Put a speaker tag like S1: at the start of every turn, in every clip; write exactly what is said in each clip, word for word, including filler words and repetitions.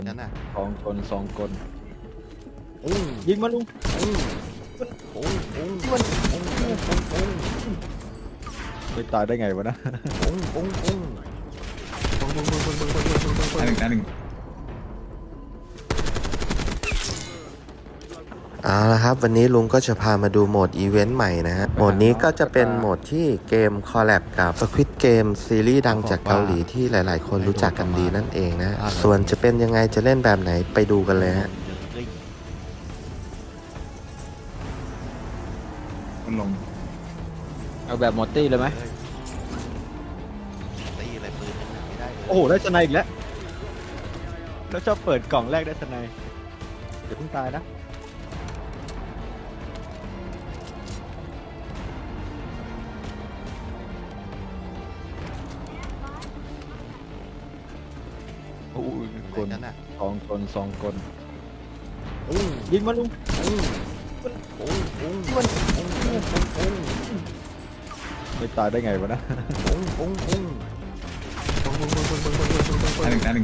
S1: นั่นน่ะ
S2: สองคนสองคน
S1: อุ้ง
S2: ยิงมาลุง
S1: อุ้งอุ้งอุ้งอุ้งอุ้งอุ้งอุ้งอุ้ง
S2: ไม่ตายได้ไงวะนะ
S1: อุ้งอุ้งอุ้ง
S3: ตายหนึ่งตายหนึ่ง
S1: เอาละครับวันนี้ลุงก็จะพามาดูโหมดอีเวนต์ใหม่นะฮะโหมดนี้ก็จะเป็นโหมดที่เกมคอลแลบกับ Squid Game ซีรีส์ดังจากเกาหลีที่หลายๆ คนรู้จักกันดีนั่นเองนะส่วนจะเป็นยังไงจะเล่นแบบไหนไปดูกันเลยฮะ
S3: มันลง
S2: เอาแบบหมดตี้เลยไหม
S1: ตีอะไรปืนไม่ได้
S2: โอ้โหได้สไนอีกแล้วแล้วชอบเปิดกล่องแรกได้สไนเดี๋ยวเพิ่งตายนะโอ้ยคน
S1: นั่นน่ะ
S2: สองคนสองคน
S1: อุ้ง
S2: ยิงมาลุง
S1: อุ้งอุ้งอุ้งอุ้งอุ้งอุ้งอุ้ง
S2: ไม่ตายได้ไงวะนะ
S1: อุ้งอุ้งอุ้ง
S3: ตายหนึ่งตายหนึ่ง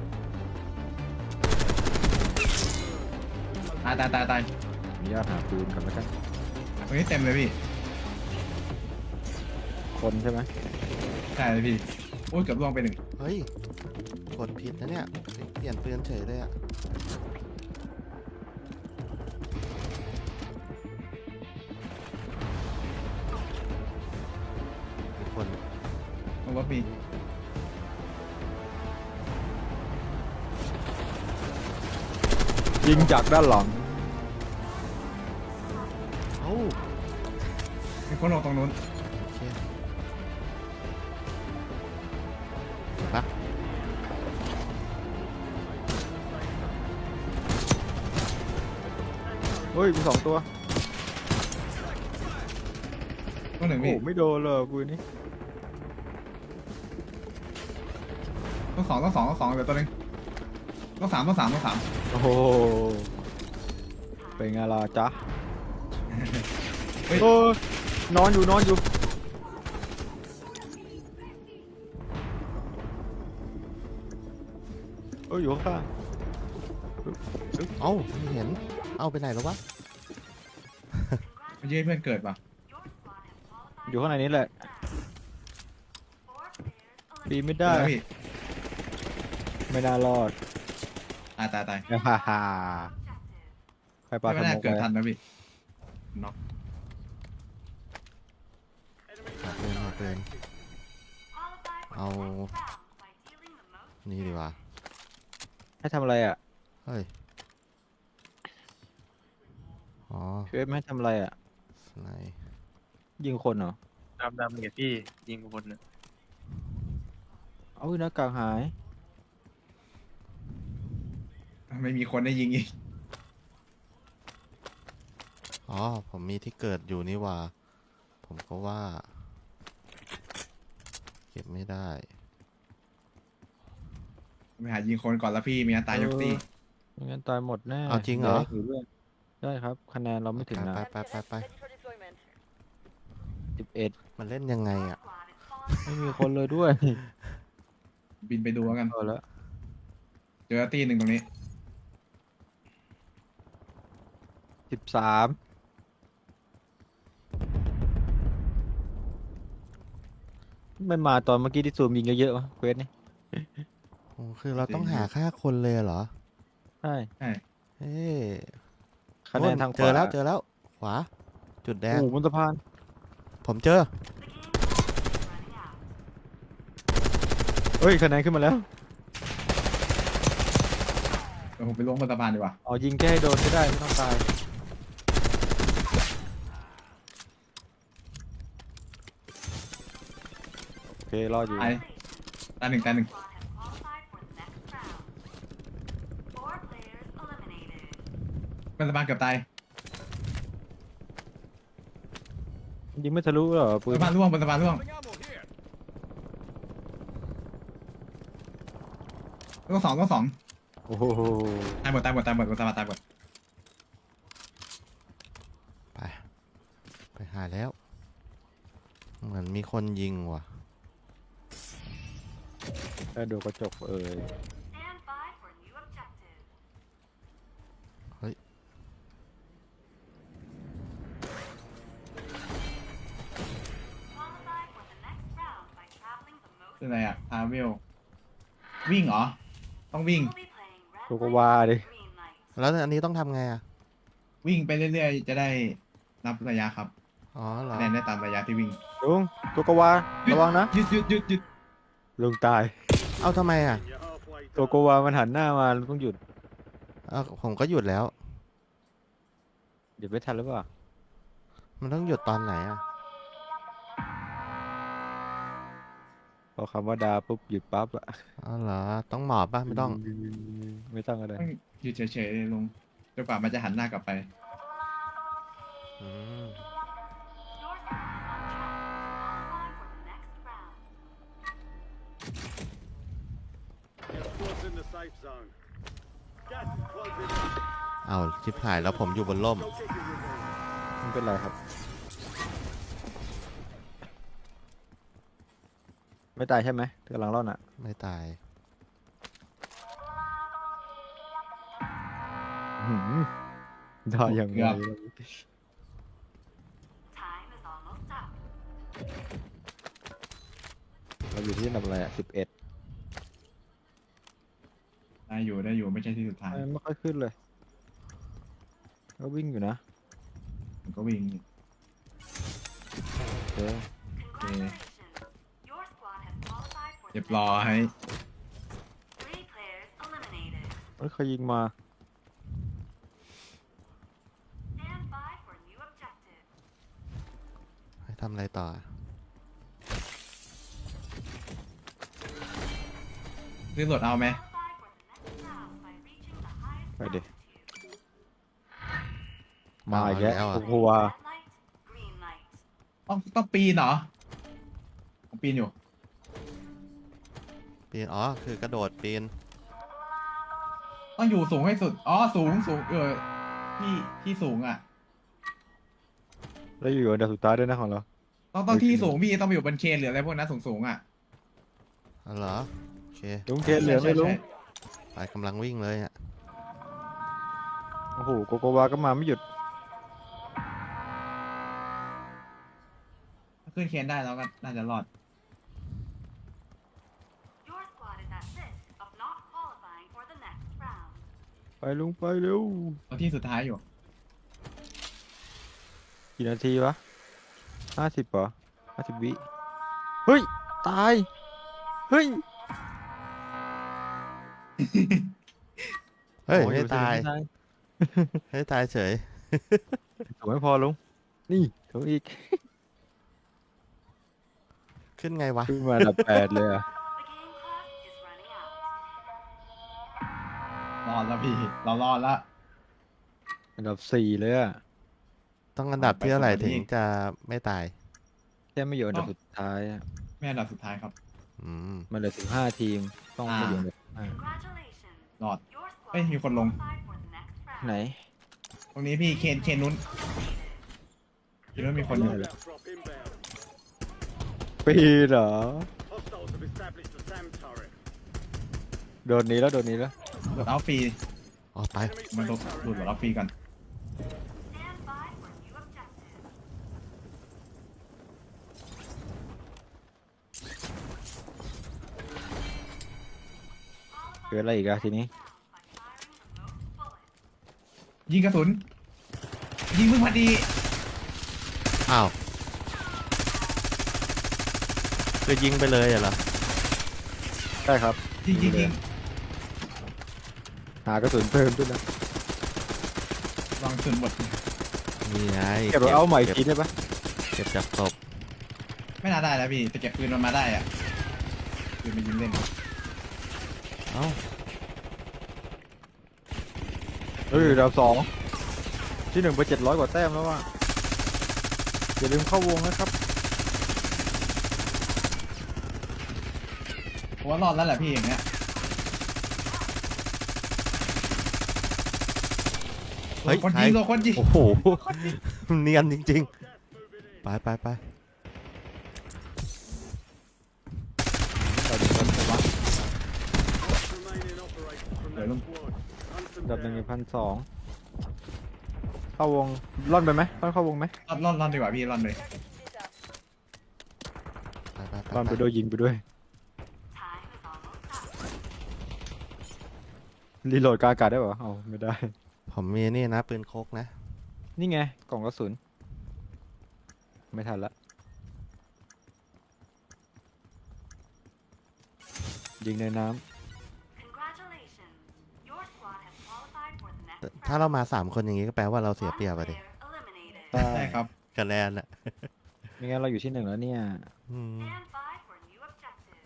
S3: ตายตายตายตาย
S2: มีญาตหาปืนกันแล้วกัน
S3: ตรงนี้เต็มเลยพี่
S2: คนใช่ไหม
S3: ใช่เลยพี่โอ้ยเกือบล่วงไปหนึ่ง
S1: เฮ้ยกดผิดนะเนี่ยเปลี่ยนปืนเฉยเลยอะมีคน
S3: มันว่าปี
S2: ยิงจากด้านหลัง
S1: เอ้า
S3: มีคนลงตรงนู้น
S1: โอเคเห็นปะ
S2: เฮ้ยมีสองตัว
S3: ต้องหนึ่ง
S2: โอ้
S3: พี่
S2: ไม่โดนเลยกูนี่
S3: ต้องสองต้องสองต้องสองเดี๋ยวตัวหนึงต้องสามต้องสามต้องสาม
S2: โอ้โหเป็นไงล่ะจ๊ะ
S3: เฮ้ย
S2: โอ้ยนอนอยู่นอนอยู่เอ้ยอยู่ข้าง
S1: เอ้าไม่เห็นเอ้าไปไหนแล้ววะ
S3: มันยื้อให้เพื่อนเกิดป่ะ
S2: ๆอยู่ข้างในนี้แหละปีนไม่ได้
S3: แล้วพี่
S2: ไม่น่ารอด
S3: ตายตายตาย
S2: ฮ่าฮ่าใครปา
S3: ไม่
S2: ส
S3: น่า
S2: โมก
S3: เกิด
S2: ไป
S3: ทันนะพี่น็อก
S1: หาปืนหาปืนเอานี่ดีกว่า
S2: ให้ทำอะไรอ่ะ
S1: เฮ้ยอ๋อ
S2: เชฟไม่ให้ทำอะไรอ่ะ
S1: สไนป์
S2: ยิงคนเหรอ
S4: ดำดำเนี่ยพี่ยิงคนน่ะ
S2: เอาหน้ากากหาย
S3: ไม่มีคนได้ยิงอีก
S1: อ๋อผมมีที่เกิดอยู่นี่หว่า ผมก็ว่า เก็บไม่ได้
S3: ไปหายิงคนก่อนแล้วพี่มีอันตายยกตี
S2: ไม่งั้นตายหมดแน่
S1: เอาจริงเหรอ
S2: ดี๋ยวให้ถืด้วยได้ครับ คะแนนเราไม่ถึงนะ
S1: ไปไปไปไป
S2: สิบเอ็ด
S1: มันเล่นยังไงอ่ะ
S2: ไม่มีคนเลยด้วย
S3: บินไปดูแล้วกัน
S2: พอแล้ว
S3: เจอตีหนึ่งตรงนี้
S2: สิบสามไม่มาตอนเมื่อกี้ที่ซูมยิงเยอะๆวะเควสนี่
S1: โอ้คือเราต้องหาค่าคนเลยเหรอ
S2: ใช่
S3: ใช่
S1: เฮ้ย
S2: คะแนนทางขวา
S1: เจอแล้วเจอแล้ว ขวา จุดแดง
S2: โอ้โหบนสะพาน
S1: ผมเจอ
S2: เฮ้ยคะแนนขึ้นมาแล้ว
S3: เดี๋ยวผมไปล้วงบนสะพานดีกว่า
S2: อ๋อยิงแค่ให้โดนก็ได้ไม่ต้องตายโอเครอดอยู่
S3: ตายตายหนึ่งตายหนึ่ง บนสะพานเกือบตาย
S2: ยิงไม่ทะลุเหรอบ ปื
S3: น
S2: น
S3: สะพานร่วงบนสะพานร่วงต้องสองต้องสอง
S2: โอ้โห
S3: ตายหมดตายหมดตายหมดบนสะพานตายหมด
S1: ไป ไปหาแล้ว เหมือนมีคนยิงว่ะ
S2: แค่ดูกระจกเอ่ย
S3: อะไรอะทาเวลวิ่งเหรอต้องวิ่ง
S2: โกโกวาดิ
S1: แล้วอันนี้ต้องทำไงอ่ะ
S3: วิ่งไปเรื่อยๆจะได้นับระยะครับ
S1: อ๋อเหรอ
S3: คะแนนได้ตามระยะที่วิ่ง
S2: ลุงโกโกวาระวังนะ
S3: หยุดหยุดหยุดหยุด
S2: ลุงตาย
S1: เอาทำไมอ่ะ
S2: โกโกวามันหันหน้ามาลุงต้องหยุด
S1: เอาผมก็หยุดแล้ว
S2: หยุดไม่ทันหรือเปล่า
S1: มันต้องหยุดตอนไหนอ่ะ
S2: พอคำว่าดาปุ๊บหยุดปั๊บอะ
S1: อ๋อเหรอ ต้องหมอบป่ะ ไม่ต้อง
S2: ไม่ต้องอะไร
S3: ต้องหยุดเฉยๆเลยลุงจนกว่ามันจะหันหน้ากลับไป
S1: อืม
S5: Squad's in the safe zone. Gas is closing in.
S1: เอาชิบหายแล้วผมอยู่บนร่ม
S5: Go get your revenge.
S2: ไม่เป็นไรครับ ไม่ตายใช่ไหมกำลังรอดน่ะ
S1: ไม่ตาย
S2: หืมได้ยังไง
S3: เกือบ
S2: เราอยู่ที่อันดับอะไรอ่ะสิบเอ็ด
S3: ได้อยู่ได้อยู่ไม่ใช่ที่สุดท้าย
S2: ไม่ค่อยขึ้นเลย ก็วิ่งอยู่นะ
S3: มันก็วิ่ง
S2: โอเค
S3: โอเคเรียบร้อย
S2: เฮ้ยเขายิงมา
S1: ให้ทำอะไรต่อ
S3: ซื้อรถเอาไหม
S2: ไปดิ มาอีกแล้ว
S1: เอาแล้วอะ
S2: โกโกวา
S3: ต้องต้องปีนเหรอผมปีนอยู่
S1: ปีน อ๋อ คือกระโดดปีน
S3: ต้องอยู่สูงให้สุด อ๋อ สูงสูงเออที่ที่สูงอ่ะ
S2: แล้วอยู่อันดับสุดท้ายด้วยนะของเรา
S3: ต้องต้องที่สูงพี่ต้องไปอยู่บนเคนหรืออะไรพวกนั้นสูงสูงๆอ่ะ
S1: อ๋อเหรอ โอเค
S2: ลุงเกณฑ์เหลือไหม่ลุง
S3: ใช่
S1: ไปกำลังวิ่งเลยอ่ะ
S2: โอ้โห โกโกวาก็มาไม่หยุด
S3: ถ้าขึ้นเคนได้แล้วก็น่าจะรอด
S2: ไปลุงไปเร็ว
S3: เอาที่สุดท้ายอยู่
S2: กี่นาทีวะห้าสิบเหรอห้าสิบวิ เฮ้ย ตาย เฮ้ย
S1: เฮ้ย
S2: โอ้
S1: ไม่ตาย
S2: ไม่ตาย
S1: ไม่ตายเฉย
S2: ถูกไม่พอลุง นี่ถูกอีก
S1: ขึ้นไงวะ
S2: ขึ้นมาอันดับแปดเลยอ่ะ
S3: รอดแล้วพี่ เรารอดแล้ว
S2: อันดับสี่เลยอ่ะ
S1: ต้องอันดับที่เท่าไหร่
S3: ไปสวรรค์
S1: ถึง
S3: อีก
S1: จะไม่ตาย
S2: แค่ไม่อยู่อันดับสุดท้ายอะ
S3: แม่อันดับสุดท้ายครับ
S1: อืม
S2: มันเหลือสิบห้าทีม ต้องไม่อยู่อันดับห้าร
S3: อด เอ้ยมีคนลง
S2: ไหน
S3: ตรงนี้พี่เคนเคนนู้นเคนนู้นมีคนอยู่
S5: Loadout drop inbound.
S2: ปีเหรอ
S5: Hostiles have established a SAM turret.
S2: โดนนี้แล้วโดนนี้แล้ว
S3: โหลดเอาฟรี
S1: ออกไป
S5: Enemy
S3: มันโหลด
S5: SAM
S3: โหลด
S5: turret.
S3: โหลดเอาฟรีกัน
S2: เกิดอะไรอีกอะทีนี้
S3: ยิงกระสุน ยิงมึงพอดี
S1: อ้าวคือยิงไปเลยเหรอ
S2: ใช่ครับ
S3: ยิงยิงยิง
S2: หากระสุนเพิ่มด้วยนะ
S3: วางกระสุนหมด
S1: นี่ไง
S2: เก็บเอาใหม่อีก
S1: เก็บ
S2: ทีได้ปะ
S1: เก็บจากศพ
S3: ไม่น่าได้แล้วพี่แต่เก็บปืนมันมาได้อ่ะปืนมันยิงเล่น
S1: เอ้า
S2: เฮ้ยดาวสองที่หนึ่งไปเจ็ดร้อยกว่าแต้มแล้วว่ะอย่าลืมเข้าวงนะครับ
S3: ผมว่ารอดแล้วแหละพี่อย่างเงี้ย
S1: เฮ้ย
S3: คน
S1: ใคร
S3: ยิงโดนคนยิง
S1: โอ้โห เนียนจริงๆ ไปไปไป
S5: Remaining operators from
S3: Để
S5: that
S3: luôn.
S5: squad. Hunt them
S2: ดับหนึ่ง
S5: down.
S2: พันสองเข้าวงร่อนไปไหมร่อนเข้าวงไหม
S3: รอดรอดรอดดีกว่าพี่รอดเลย
S1: ไปไปไป
S2: ร่อนไปด้วยยิงไปด้วยรีโหลดกลางอากาศได้ปะเอาไม่ได้
S1: ผมมีนี่นะปืนโคกนะ
S2: นี่ไงกล่องกระสุนไม่ทันละยิงในน้
S6: Congratulations. Your squad has qualified for the next
S1: ถ้าเรามาสามคนอย่างนี้ก็แปลว่าเราเสียเปรียบไปดิ
S6: player eliminated.
S2: ำใช่
S3: ใช่ครับ
S1: คะแนนอะ
S2: ไม่งั้นเราอยู่ที่หนึ่งแล้วเนี่ย
S1: อืม
S6: Stand by for new objective.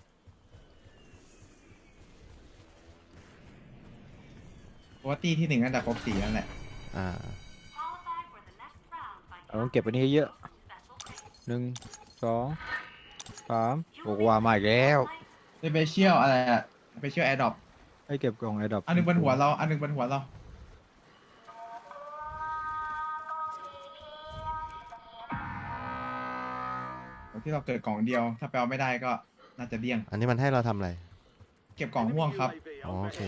S3: เพราะว่าตีที่หนึ่งน่าจะครบสี่นั่นแหละ
S1: อ่า
S6: Qualify for the next round by
S2: เราต้องเก็บไปนี่เยอะ
S6: some special grades.
S2: หนึ่งสองสามโอ้ว่ามาอีกแล้ว
S3: สเปเชียลอะไรอะสเปเชียลแอร์ดรอป
S2: ให้เก็บกล่องไอ้ดอก
S3: อันหนึงบนหัวเรา อันหนึงบนหัวเรา ที่เราเกิดกล่องเดียว ถ้าแปลไม่ได้ก็น่าจะเดี้ยง
S1: อันนี้มันให้เราทำอะไร
S3: เก็บกล่องม่วงครับ
S1: อ๋อโอเค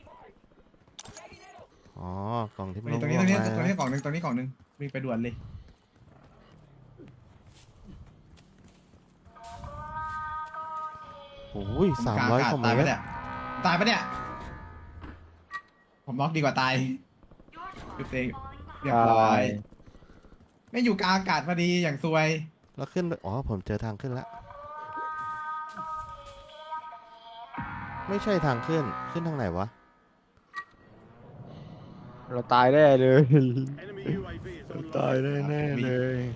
S1: อ๋อ กล่องที่มัน
S3: นี่ตรง
S1: ม่
S3: นี้
S1: ว
S3: ตรง
S1: ง
S3: นี้
S1: ๆ
S3: ตรงนี้
S1: นะ
S3: กล่องหนึ่งตรงนี้กล่องหนึ่งวิ่งไปด่วนเลย
S1: โอ้ย
S3: ผม
S1: สาม
S3: กลาง
S1: ร้อย
S3: อากาศ
S1: คอมเม
S3: ตาย
S1: น
S3: ปะ
S1: ต์
S3: เนี่ย ตายปะเนี่ย ผมน็อกดีกว่าตาย
S6: Your squad
S3: Good
S6: is
S3: thing.
S6: falling
S3: เรีย
S6: behind.
S3: บร้อย ไม่อยู่กลางอากาศพอดีอย่างซวย
S1: แล้วขึ้นไปอ๋อ ผมเจอทางขึ้นแล้ว ไม่ใช่ทางขึ้น ขึ้นทางไหนวะ
S2: เราตายแน่เลย
S5: Enemy U A V is
S2: เรา
S5: online.
S2: ตายแน่ๆเลย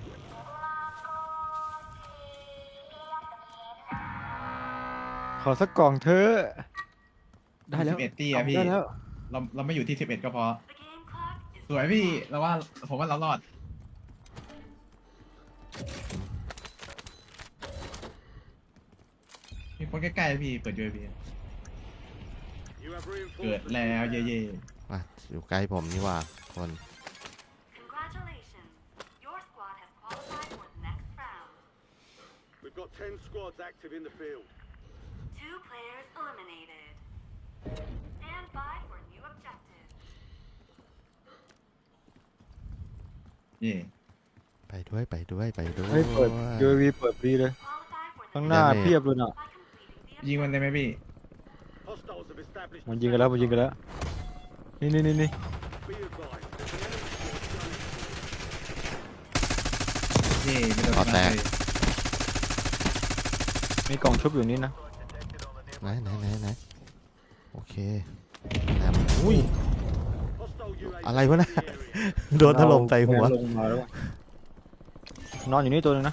S2: ขอสักกล่องเถอะได้แล้ว
S3: สิบเอ็ดตีอะพี่
S2: ได้แล้ว
S3: เราเราไม่อยู่ที่สิบเอ็ดก็พอ
S6: The game clock is
S3: สวยพี่ เราว่าผมว่าเรารอด มีคนใกล้ๆพี่ เปิดยูเอพี
S5: You have
S3: เกิด
S5: reinforcements.
S3: แล้วเย่
S1: อ่ะ อยู่ใกล้ผมนี่หว่า คน
S6: Congratulations. Your squad has qualified for the next round.
S5: We've got ten squads active in the field.
S6: Two players eliminated. Stand by for new objective.
S3: ๆเย่
S1: ไปด้วย ไปด้วย ไปด้วย
S2: เฮ้ยเปิด ยู เอ วี เปิดฟรีเลย
S6: Qualify for the
S2: ข้างหน้า
S1: ได้ไหม
S2: เพียบเลยน่ะ
S6: by completing the
S3: ยิงมันเลยไหมพี่
S5: Hostiles have established.
S2: มันยิงกันแล้วมันยิงกันแล้ว นี่นี่นี่นี่
S5: Be advised. There's an enemy squad gunning for you.
S3: เย่ไม่โดน
S1: ขอแตก
S3: เลย
S2: มีกล่องชุบอยู่นี่นะ
S1: ไหนไหนไหนไหนโอเคแหลมอุ้ย
S5: Hostile U A V
S1: อะไรวะนะ
S5: in the area.
S1: โดนถล่มใส่หัว
S2: ลงมาแล้วอะนอนอยู่นี่ตัวหนึงนะ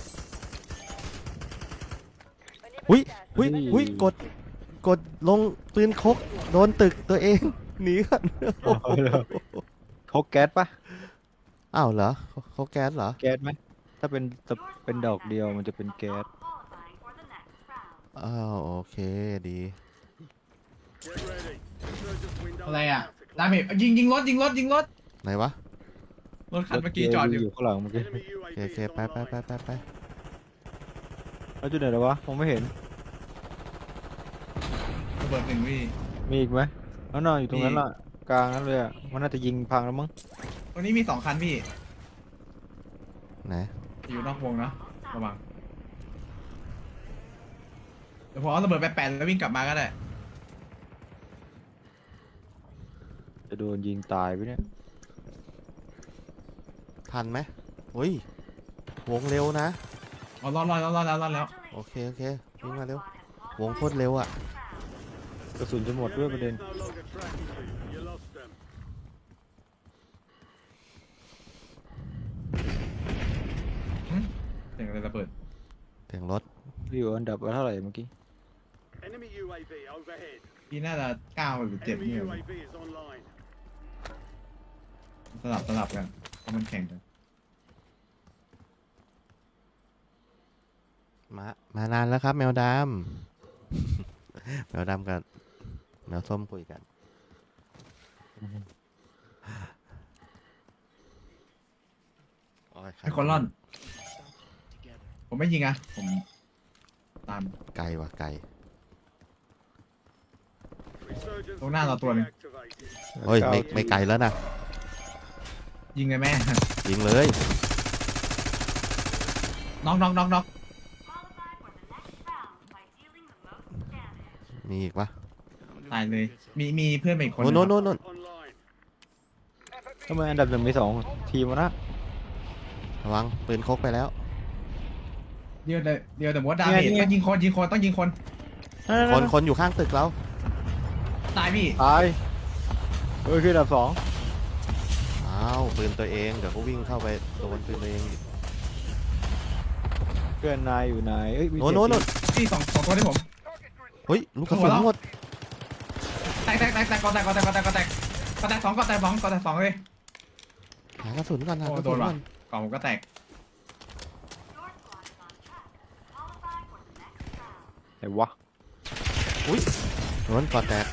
S1: อุ้ยอุ้ย
S2: อุ้ย
S1: อุ้ยกด กดลงปืนคก โดนตึกตัวเอง หนีก่อนโอ้โห
S2: เขาแก๊สปะ
S1: อ้าวเหรอเขาเขาแก๊สเหรอ
S2: แก๊สไหม ถ้าเป็นตะเป็นดอกเดียวมันจะเป็นแก๊ส
S6: qualifying for the next round.
S1: อ้าวโอเคดี
S5: Get ready. Insurgents window
S3: อะไร
S5: is
S3: อ่ะ
S5: about to
S3: ดา
S5: close.
S3: เมจยิงยิงรถยิงรถยิงรถ
S1: ไหนวะ
S3: รถคันเมื่อกี้จอดอยู่
S2: อยู่ข้างหลังเมื่อกี้
S5: Enemy U
S1: โอ
S5: A
S1: เค
S5: V
S1: โอเค
S5: is
S1: ไปไปไป
S5: online.
S1: ไปไป
S2: แล้วจุดไหนแล้ววะมองไม่เห็น
S3: ระเบิดหนึ่งพี่
S2: มีอีกไหมแล้วนอนอยู่ตรงนั้น
S3: มี
S2: ล่ะ กลางนั้นเลยอ่ะ มันน่าจะยิงพังแล้วมั้ง
S3: ตรงนี้มีสองคันพี่
S1: ไหน
S3: อยู่นอกวงนะระวังเดี๋ยวผมเอาระเบิดไปแปะแล้ววิ่งกลับมาก็ได้
S2: จะโดนยิงตายไปเนี่ย
S1: ทันไหมอุ้ย วงเร็วนะ
S3: อ๋อรอดรอดรอดรอดแล้วรอดแล้ว
S1: โอเคโอเควิ่ง
S6: Your
S1: มาเร็ว
S6: squad has
S1: วง
S6: qualified
S1: โคตรเร็วอ่ะ
S6: for the next round.
S2: กระสุนจะหมดด้วยประเด็น
S5: Enemies no longer tracking you. You lost them.
S3: เสียงอะไรระเบิด
S1: เสียงรถ
S2: อยู่อันดับเท่าไหร่เมื่อกี้
S5: Enemy U A V overhead.
S3: พี่น่าจะเก้าหรือเจ็ด
S5: Enemy
S3: เนี่ย
S5: U A V is online.
S3: สลับสลับกันเพราะมันแข่งกัน
S1: มา มานานแล้วครับ แมวดำ แมวดำกับแมวส้มคุยกัน โอ้ย
S3: ไอ้คนร่อน ผมไม่ยิงอ่ะ ผมตาม
S1: ไกลว่ะไกล
S5: Resurgence
S3: ตรงหน้าเราตัวหนึ่ง
S5: deactivated.
S1: โอ้ยไม่ไม่ไกลแล้วนะ
S3: ยิงเลยแม่
S1: ยิงเลย
S3: น็อกน็อกน็อกน็อก
S6: Qualify for the next round by dealing the most damage.
S1: มีอีกปะ
S3: ตายเลย มีมีเพื่อนมาอีกคน
S1: โอ้โน่นโน่นโน่น
S5: Online.
S2: ทำไมอันดับหนึ่งมีสองทีมวะนะ
S1: ระวังปืนคกไปแล้ว
S3: เดียวเดี๋ยวเดียวแต่ว่าดาเมจต้องยิงคนยิงคนต้องยิงคน
S1: คนคนอยู่ข้างตึกเรา
S3: ตายพี่
S2: ตายเฮ้ยคืออันดับสอง
S1: อ้าวปืนตัวเองเดี๋ยวก็วิ่งเข้าไปโดนปืนตัวเองอีก
S2: เพื่อนนายอยู่ไหนเอ้ยมี
S1: โน่นโน่นโน่น
S3: พี่สองสองตัวที่ผม
S1: เฮ้ยลูกกระสุนหมด
S3: แตกแตกแตกแตกกอแตกกอแตกกอแตกกอแตกกอแตกสองกอแตกสองกอแตกสองเลย
S1: หากระสุนก่อนหา
S3: โอ้
S1: กระ
S3: โด
S1: สุ
S3: น
S1: น
S3: ว่ะ
S1: ก่อน
S3: กล่องผมก็แตก
S6: Your squad is on track to qualify for the next round.
S2: ไหนวะ
S1: อุ้ยโดนก่อนแตก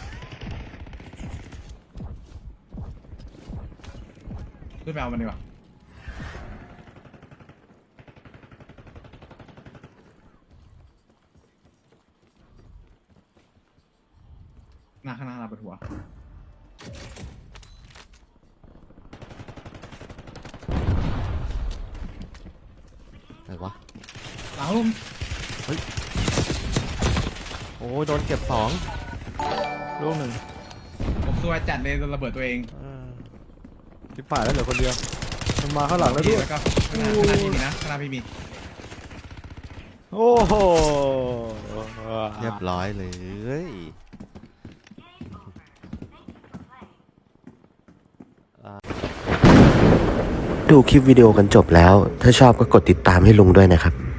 S3: ขึ้นไปเอามันดีกว่าหน้าข้างหน้าเราปวดหัว
S1: ไหนวะ
S3: หลังลุม
S1: โอ้ยโดนเก็บสอง
S2: ลูกหนึ่ง
S3: ผมซวยจัดเลยระเบิดตัวเอง
S2: เออทิพผ่านแล้วเหลือคนเดียวมันมาข้างหลังแล้วด้วย
S3: แล้วก็ข้างหน้าข้างหน้าพี่มีนะข้างหน้าพี่มี
S2: โอ้โห
S1: เรียบร้อยเลย ดูคลิปวิดีโอกันจบแล้ว ถ้าชอบก็กดติดตามให้ลุงด้วยนะครับ